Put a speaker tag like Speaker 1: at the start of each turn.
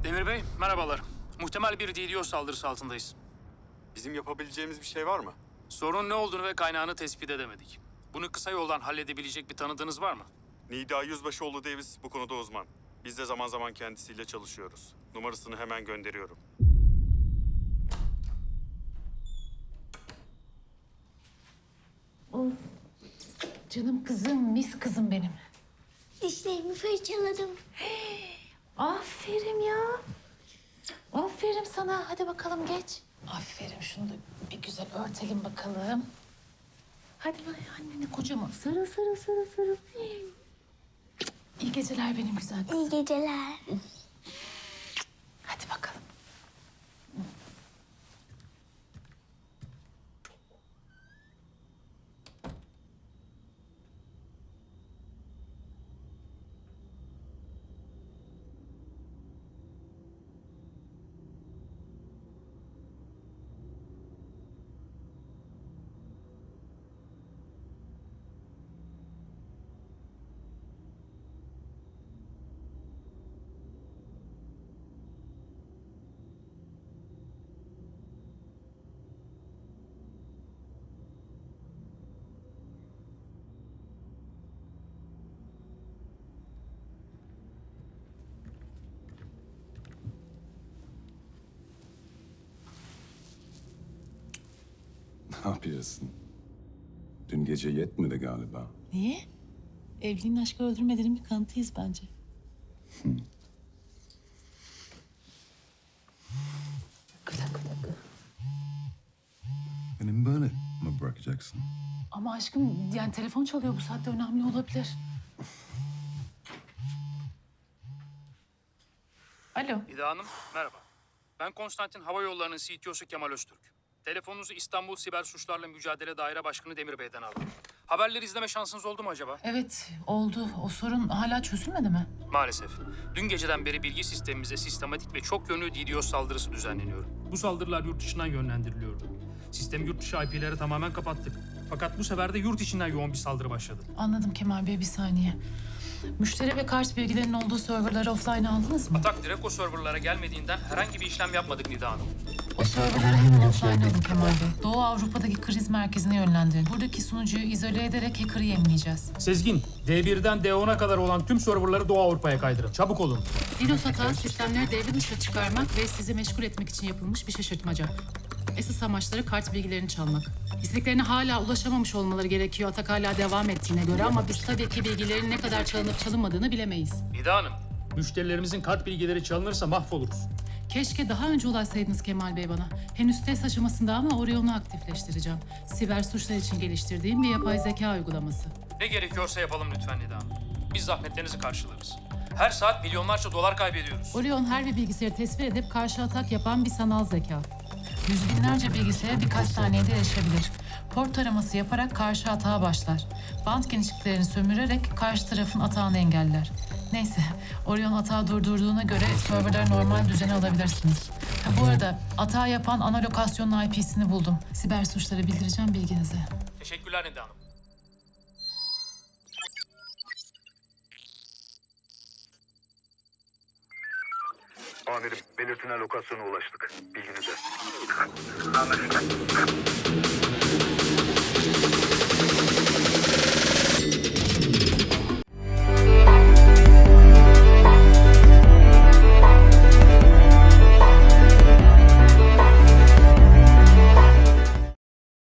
Speaker 1: Demir Bey, merhabalar. Muhtemel bir DDoS saldırısı altındayız.
Speaker 2: Bizim yapabileceğimiz bir şey var mı?
Speaker 1: Sorun ne olduğunu ve kaynağını tespit edemedik. Bunu kısa yoldan halledebilecek bir tanıdığınız var mı?
Speaker 2: Nida Yüzbaşıoğlu Davis bu konuda uzman. Biz de zaman zaman kendisiyle çalışıyoruz. Numarasını hemen gönderiyorum.
Speaker 3: Oh, canım kızım, mis kızım benim.
Speaker 4: Dişlerimi fırçaladım.
Speaker 3: Aferin ya. Aferin sana. Hadi bakalım geç. Aferin. Şunu da bir güzel örtelim bakalım. Hadi annene kocaman. Sarıl, sarıl, sarıl, sarıl. İyi geceler benim güzel kızım.
Speaker 4: İyi geceler.
Speaker 3: Hadi bakalım.
Speaker 5: Ne yapıyorsun? Dün gece yetmedi galiba.
Speaker 3: Niye? Evliliğin aşkı öldürmediğinin bir kanıtıyız bence. Gıda gıda gıda.
Speaker 5: Beni böyle mi bırakacaksın?
Speaker 3: Ama aşkım yani telefon çalıyor, bu saatte önemli olabilir. Alo.
Speaker 1: Nida Hanım, merhaba. Ben Konstantin Hava Yolları'nın CTO'su Kemal Öztürk. Telefonunuzu İstanbul Siber Suçlarla Mücadele Daire Başkanı Demir Bey'den aldım. Haberleri izleme şansınız oldu mu acaba?
Speaker 3: Evet oldu. O sorun hala çözülmedi mi?
Speaker 1: Maalesef. Dün geceden beri bilgi sistemimize sistematik ve çok yönlü DDoS saldırısı düzenleniyor. Bu saldırılar yurt dışından yönlendiriliyordu. Sistemi yurt dışı IP'lere tamamen kapattık. Fakat bu sefer de yurt içinden yoğun bir saldırı başladı.
Speaker 3: Anladım Kemal Bey, bir saniye. Müşteri ve kart bilgilerinin olduğu serverları offline aldınız mı?
Speaker 1: Atak direkt o serverlara gelmediğinden herhangi bir işlem yapmadık Nida Hanım.
Speaker 3: O serverları hemen offline alın Kemal Bey. Doğu Avrupa'daki kriz merkezine yönlendirin. Buradaki sunucuyu izole ederek hacker'ı yemleyeceğiz.
Speaker 1: Sezgin, D1'den D10'a kadar olan tüm serverları Doğu Avrupa'ya kaydırın. Çabuk olun.
Speaker 3: DDoS hata sistemleri devre dışı çıkarmak ve sizi meşgul etmek için yapılmış bir şaşırtmaca. Esas amaçları kart bilgilerini çalmak. İstediklerine hala ulaşamamış olmaları gerekiyor atak hala devam ettiğine göre, ama biz tabii ki bilgilerin ne kadar çalınıp çalınmadığını bilemeyiz.
Speaker 1: Nida Hanım, müşterilerimizin kart bilgileri çalınırsa mahvoluruz.
Speaker 3: Keşke daha önce ulaşsaydınız Kemal Bey bana. Henüz test aşamasında ama Orion'u aktifleştireceğim. Siber suçlar için geliştirdiğim bir yapay zeka uygulaması.
Speaker 1: Ne gerekiyorsa yapalım lütfen Nida Hanım. Biz zahmetlerinizi karşılarız. Her saat milyonlarca dolar kaybediyoruz.
Speaker 3: Orion her bir bilgisayarı tespit edip karşı atak yapan bir sanal zeka. Yüz binlerce bilgisayara birkaç saniyede erişebilir. Port taraması yaparak karşı atağa başlar. Bant genişliklerini sömürerek karşı tarafın atağını engeller. Neyse, Orion atağı durdurduğuna göre serverları normal düzene alabilirsiniz. Bu arada atağı yapan ana lokasyonun IP'sini buldum. Siber suçları bildireceğim bilginize.
Speaker 1: Teşekkürler Nida Hanım.
Speaker 6: Amirim, belirtilen lokasyona ulaştık. Bilginize.